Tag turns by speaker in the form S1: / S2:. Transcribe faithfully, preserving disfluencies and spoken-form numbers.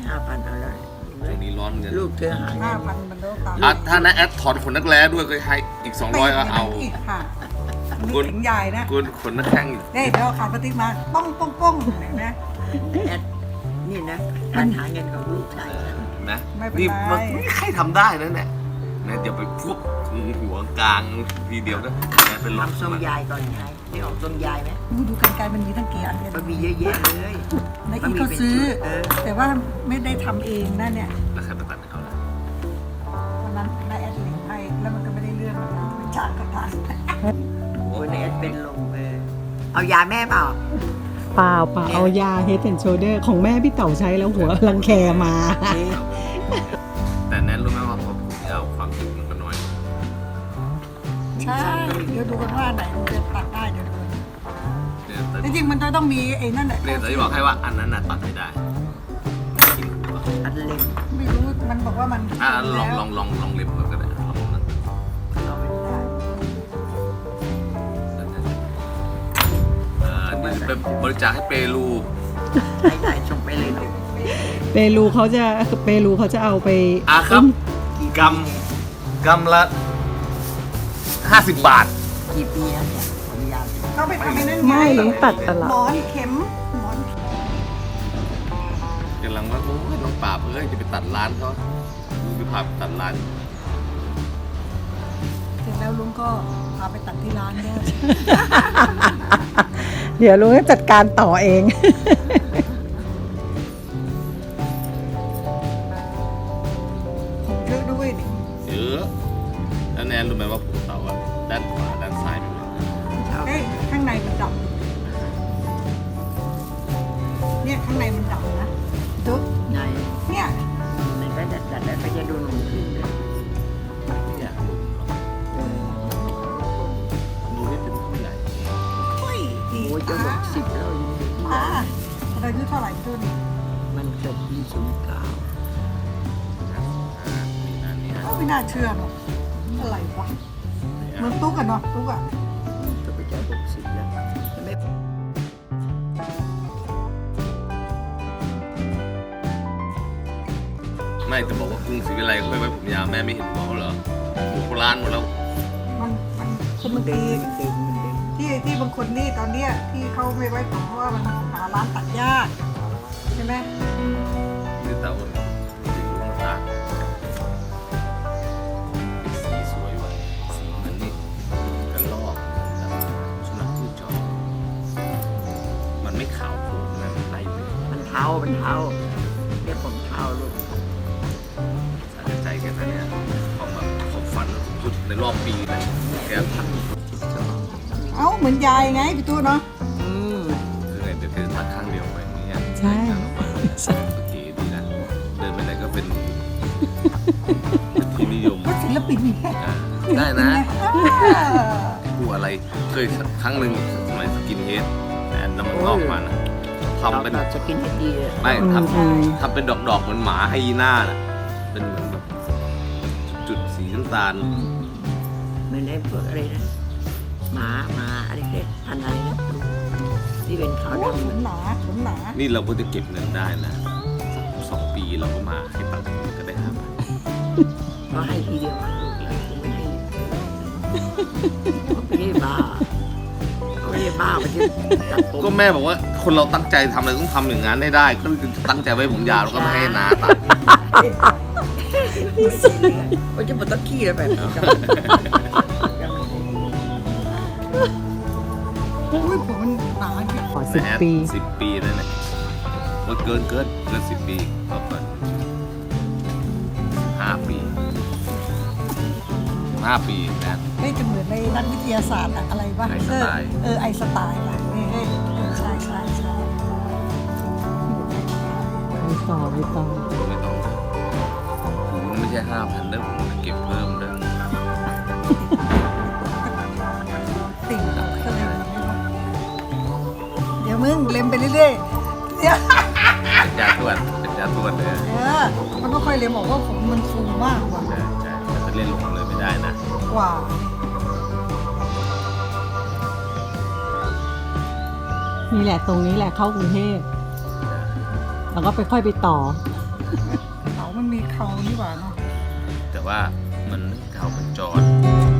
S1: ห้าพันเอาแล้ว
S2: ตรงนี้ร้อนเงิน
S1: ลูกเธอหา
S3: ห้าพันมันโลกา
S2: อ่ะถ้านะแอดถอนขนนักแร้ด้วยก็ให้อีกสองร้อยก็เอา
S3: อีกค่ะ
S2: คุ
S3: นี่
S2: ณ
S3: ถึงใหญ่นะ
S2: กูขนนักแข้งอีก
S3: เฮ้ยเดี๋ยวขาดปฏิมาป้องป้องป้องเห็นไหม
S1: แอดนี่นะการหาเงินของลูกชายฉัน
S2: นะ
S3: ไม่เป็นไร
S2: นี่มันไม่มีใครทำได้นะเนี่ยนะเดี๋ยวไปพวกหัวกลางทีเดียวนะนะเป็นรถ
S1: ทำทรงยายก่อนยายนี่ออกทรงยายไหม
S3: ดูดูกันไกลมันมีตั้งกี่อันเนี่ย
S1: มันมีเยอะแยะเลย
S3: ในอีกเขาซื้อ
S1: เออ
S3: แต่ว่าไม่ได้ทำเองนะเนี่ย
S2: แล้วใครไปตัดให้เขาล่ะ
S3: วันนั้นนายแอดลิงให้แล้วมันก็ไม่ได้เรื่องมันเป็นฉากกระทัน
S1: โอ้ยแอดเป็นลมเออเอายาแม่เปล่า
S4: เปล่าเปล่าเอายา Head and Shoulder ของแม่พี่เต๋าใช้แล้วหัวรังแคมา
S2: แต่แนนรู้ไหมว่าพอผมจะเอาความจริงมันก็น้อย
S3: ใช่เดี๋ยวดูกันว่าไหนมันจะตัดได้เดี๋ยวดู
S2: เนี่ยแต่
S3: จริงๆมันจะต้องมีไอ้นั่นแหละ
S2: เนี่ยแต่จะบอกให้ว่าอันนั้นน่ะตัดไม่ได้กินหัว
S1: อันเล็ก
S3: ไม่รู้มันบอกว่ามัน
S2: อ่ะลองลองลองลองเล็บก่อนก็ได้ลองนะ
S1: เราไม่ได้
S2: อ่านี่เป็นบริจาคให้เปรู
S1: ใช่ใช่ส่งไปเลยลูก
S4: เปรูเขาจะเปรูเขาจะเอาไป
S2: อ่ะครับกำกำละห้าสิบบาท
S1: กี่ปีแล้วเนี่ยขออนุญาต
S3: เขาไปทำไอ้นั่น
S4: ไม่ลุงตัดตลอ
S3: หม
S4: ด
S3: อนเข็มหมอน
S2: กำลังว่าโอ้ยน้องป่าบเอ้ยจะไปตัดร้านเขาดูไปพาไปตัดร้าน
S3: เสร็จแล้วลุงก็พาไปตัดที่ร้านด้วย
S4: เดี๋ยวลุงจะจัดการต่อเอง
S3: ผมเยอะด้วยดิ
S2: เยอะแล้วแนนรู้ไหมว่าผมเต่าอะด้านขวาด้านซ้ายเป็นยังไง
S3: เฮ้ยข้างในมันดำเนี่ยข้างในมันดำนะดู
S1: ไง
S3: เนี่ย
S1: มันก็ดัดดัดแล้วก็จะดูหนุ่มขึ้นเลย
S2: เนี่ยดูนี่เป็นผู้ใหญ่
S3: โอ้ยดี
S1: โอ้ยจะหกสิบแล้วอยู่
S3: อ่าเราอายุเท่าไหร่ตัวนี้
S1: มันเกิดปีศูนย์เก้า
S2: อ่ามีอันนี้ฮะ
S3: ก็ไม่น่าเชื่อเนาะอะไรวะเหมันตุ๊กอะเนาะตุ๊กอะ
S1: จะไปจะหกสิบแล้วจะไม่
S2: ไม่จะบอกว่ากรุงศรีวิไลเขาไม่ไว้ผมยาวแม่ไม่เห็นเขาเหรออยู่โบราณหมดแล้ว
S3: มันมันคนบาง
S1: เดิ
S3: ที
S1: นเดินมันเดิน
S3: ที่ที่บางคนนี่ตอนเนี้ยที่เขาไม่ไว้ผมเพราะว่ามันหาร้านตัดยากใช่ไหม
S2: นี่เต่าจริงๆลูกตาสีสวยว่ะสีมันนี่กันลอกสุนัขผู้จอมันไม่ขาวโผล่นะมันไล่ไป
S1: มันเท้ามันเท้าเรียกผมเท้าลูก
S2: สะใจแค่นั้นเนี่ยเขาแบบเขาฝันสุดในรอบปีเลยแก
S3: เอ้าเหมือนยายไงพี่ตู้เนาะ
S1: อืม
S2: คือไงเดี๋ยวเดินตัดข้างเดียวไปอย่างเงี้ย
S4: ใช่
S2: โอเคดีนะเดินไปไหนก็เป็นเป็นที่นิยม
S3: ก็ศิลปินไง
S2: อ่าได้นะ
S3: อ่า
S2: กูอะไรเคยครั้งหนึ่งสมัยสกินเฮดแต่น้ำมันงอกมานะทำเป็น
S1: เราจะกินให้ดีเลย
S2: ไม่ท
S4: อืม
S2: ำทำเป็นดอกดอกๆเหมือนหมาไฮยีน่าน่ะเป็นเหมือนแบบจุดสีน้ำตาล
S1: เหมือนไอ้พวกอะไรนะหมาหมาอะไรเรียกพันธุ์อะไรนะที่เป็นขาว
S3: โอ้
S1: ดำ
S3: ขนหนาขนหนา
S2: นี่เราก็จะเก็บเงินได้นะสักสองปีเราก็มาให้ตังค์ก็ได้ห้าพัน
S1: ก็ให้ทีเดียวอะลูกเลยผมไม่ให้เขาไม่ได้บ้าเขาไม่ได้บ้ามันจะตัดผม
S2: ก็แม่บอกว่าคนเราตั้งใจทำอะไรต้องทำอย่างนั้นให้ได้ ก็ตั้งใจไว้ผมยาวแล้วก็ไม่ให้นาตัด
S1: มันจะหมดตะขี้แล้วแบบนี้
S3: อุ้ยผมมันหนาจริง
S4: ขอสิบปี
S2: สิบปีนั่นแหละว่าเกินเกินเกินสิบปีก็เกินห้าปีห้าปีนะ
S3: เฮ้ยจะเหมือนในนักวิทยาศาสตร์อะอะไรวะ
S2: ไอน์ส
S3: เอ
S2: ไต
S3: อ
S2: ล์
S3: เออไอน์สไตล์ว่ะเฮ้ยเฮ้ยเออใช่ใช่ใช่
S4: ไปต่อไปต่อ
S2: ไม่ต้องผมไม่ใช่ห้าพันเด้อผมจะเก็บเพิ่มเด้อ
S3: ติ่งเราก็เลยเดี๋ยวมึงเล็มไปเรื่อยๆเดี๋ยว
S2: เป็นยาตรวจเป็นยาตรวจเลย
S3: เออมันก็ค่อยเล็มบอกว่าผมมันฟูมากกว่า
S2: ใช่ใช่แต่ถ้าเล่นลงเลยไม่ได้นะ
S3: กว่า
S4: นี่แหละตรงนี้แหละเข้ากรุงเทพแล้วก็ไปค่อยไปต่อ
S2: ใ
S3: เต่ามันมีเขานี่หว่าเนาะ
S2: แต่ว่ามันเก่ามันจร